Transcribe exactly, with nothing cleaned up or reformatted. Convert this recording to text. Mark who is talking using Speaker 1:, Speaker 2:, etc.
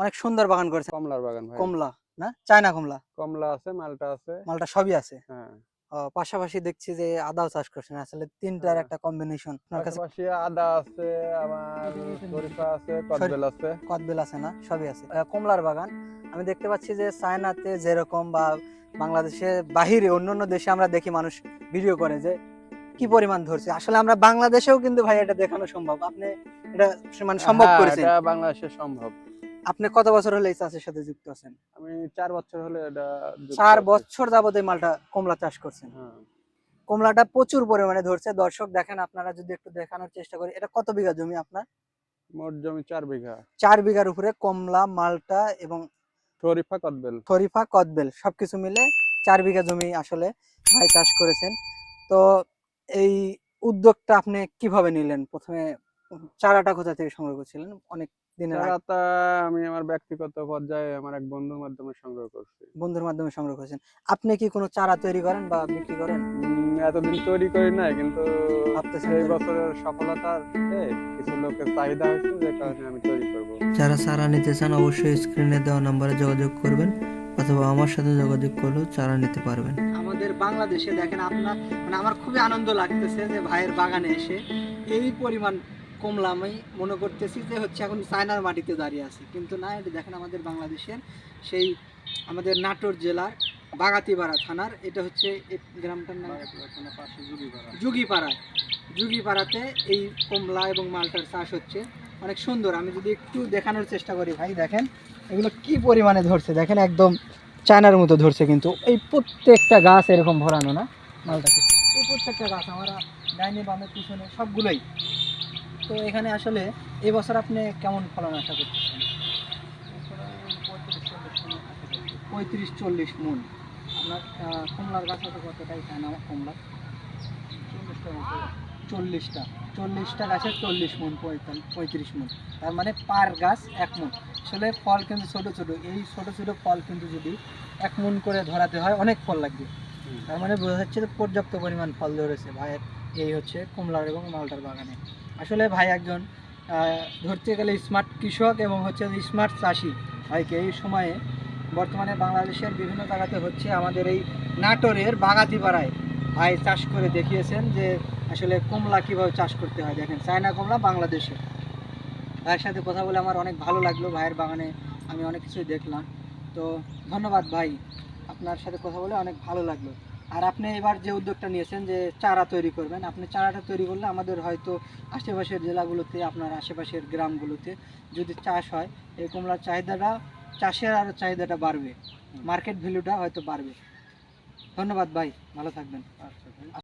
Speaker 1: অনেক সুন্দর বাগান করেছেন।
Speaker 2: কমলার বাগান ভাই।
Speaker 1: কমলা না, চায়না কমলা?
Speaker 2: কমলা আছে, মালটা আছে।
Speaker 1: মালটা সবই আছে।
Speaker 2: হ্যাঁ।
Speaker 1: ও, পাশাপাশি দেখছি যে আদাও চাষ করছেন। আসলে তিনটার
Speaker 2: হ্যাঁ।
Speaker 1: একটা কম্বিনেশন। আপনার কাছে
Speaker 2: পাশাপাশি আদা আছে, আমার শরীফা আছে, কদবেল আছে।
Speaker 1: কদবেল আছে না, সবই আছে। আহ, কমলার বাগান আমি দেখতে পাচ্ছি যে চায়নাতে যেরকম বা বাংলাদেশে বাহিরে অন্যান্য দেশে আমরা দেখি মানুষ ভিডিও করে যে কি পরিমাণ ধরছে, আসলে আমরা বাংলাদেশেও কিন্তু ভাই এটা দেখানো সম্ভব। আপনি এটা মানে সম্ভব
Speaker 2: হ্যাঁ,
Speaker 1: করেছেন।
Speaker 2: এটা বাংলাদেশে সম্ভব।
Speaker 1: আপনি কত বছর হলে এই চাষের সাথে যুক্ত আছেন?
Speaker 2: আমি চার বছর হলে এটা যুক্ত
Speaker 1: চার
Speaker 2: আছি।
Speaker 1: বছর যাবত এই মালটা কমলা চাষ করছেন।
Speaker 2: হ্যাঁ।
Speaker 1: কমলাটা প্রচুর পরিমাণে ধরছে। দর্শক দেখেন, আপনারা যদি একটু দেখানোর চেষ্টা করি, এটা কত বিঘা জমি আপনার?
Speaker 2: মোট জমি চার বিঘা।
Speaker 1: চার বিঘার উপরে কমলা, মালটা এবং
Speaker 2: শরীফা, কদবেল।
Speaker 1: শরীফা, কদবেল সবকিছু মিলে চার বিঘা জমি আসলে ভাই চাষ করেছেন। তো এই উদ্যোগটা আপনি কিভাবে নিলেন? প্রথমে চারাটা কোথা থেকে সংগ্রহ করেছিলেন? অনেক দিনের আগে
Speaker 2: চারাটা আমি আমার ব্যক্তিগত পর্যায়ে আমার এক বন্ধুর মাধ্যমে সংগ্রহ করছি।
Speaker 1: বন্ধুর মাধ্যমে সংগ্রহ করেছেন। আপনি কি কোনো চারা তৈরি করেন বা বিক্রি করেন?
Speaker 2: উম, এতদিন তৈরি করি নাই, কিন্তু
Speaker 1: ভাবতেছেন
Speaker 2: এই
Speaker 1: তৈরি?
Speaker 2: বছরের সফলতাতে কিছু লোকের চাহিদা হয়েছে, যে কারণে আমি তৈরি করব।
Speaker 3: যারা চারা নিতে চান অবশ্যই স্ক্রিনে দেওয়া নাম্বারে যোগাযোগ করবেন, অথবা আমার সাথে যোগাযোগ করলেও চারা নিতে পারবেন।
Speaker 1: আমাদের বাংলাদেশে দেখেন আপনার, মানে আমার খুবই আনন্দ লাগতেছে যে ভাইয়ের বাগানে এসে এই পরিমাণ কমলা আমি মনে করতেছি যে হচ্ছে এখন চায়নার মাটিতে দাঁড়িয়ে আছে, কিন্তু না, এটা দেখেন আমাদের বাংলাদেশের সেই আমাদের নাটোর জেলার বাগাতিপাড়া থানার, এটা হচ্ছে এই গ্রামটার নাম যুগিপাড়ায়। যুগিপাড়াতে এই কমলা এবং মালটার চাষ হচ্ছে, অনেক সুন্দর। আমি যদি একটু দেখানোর চেষ্টা করি ভাই, দেখেন এগুলো কি পরিমাণে ধরছে, দেখেন একদম চায়নার মতো ধরছে। কিন্তু এই প্রত্যেকটা গাছ এরকম ভরানো না মালটাকে, এই প্রত্যেকটা গাছ আমরা ডাইনে বামে পিছনে সবগুলোই। তো এখানে আসলে এই বছর আপনি কেমন ফলন আশা করতেছেন? পঁয়ত্রিশ চল্লিশ মন। আপনার আহ, কমলার গাছ হয়তো কতটাই চায় না কমলা? চল্লিশটা চল্লিশটা গাছের চল্লিশ মন, পঁয়ত্রিশ মন, তার মানে পার গাছ এক মন। আসলে ফল কিন্তু ছোট ছোট, এই ছোট ছোট ফল কিন্তু যদি এক মন করে ধরাতে হয় অনেক ফল লাগবে। তার মানে বোঝা যাচ্ছে যে পর্যাপ্ত পরিমাণ ফল ধরেছে ভাইয়ের এই হচ্ছে কমলার এবং মালটার বাগানে। আসলে ভাই একজন আহ, ধরতে গেলে স্মার্ট কৃষক এবং হচ্ছে স্মার্ট চাষি। ভাইকে এই সময়ে বর্তমানে বাংলাদেশের বিভিন্ন জায়গাতে হচ্ছে, আমাদের এই নাটোরের বাগাতিপাড়ায় ভাই চাষ করে দেখিয়েছেন যে আসলে কমলা কিভাবে চাষ করতে হয়। দেখেন চায়না কমলা বাংলাদেশে। ভাইয়ের সাথে কথা বলে আমার অনেক ভালো লাগলো, ভাইয়ের বাগানে আমি অনেক কিছুই দেখলাম। তো ধন্যবাদ ভাই, আপনার সাথে কথা বলে অনেক ভালো লাগলো। আর আপনি এবার যে উদ্যোগটা নিয়েছেন যে চারা তৈরি করবেন, আপনি চারাটা তৈরি করলে আমাদের হয়তো আশেপাশের জেলাগুলোতে, আপনার আশেপাশের গ্রামগুলোতে যদি চাষ হয়, এই কমলার চাহিদাটা, চাষের আরও চাহিদাটা বাড়বে, মার্কেট ভ্যালুটা হয়তো বাড়বে। ধন্যবাদ ভাই, ভালো থাকবেন।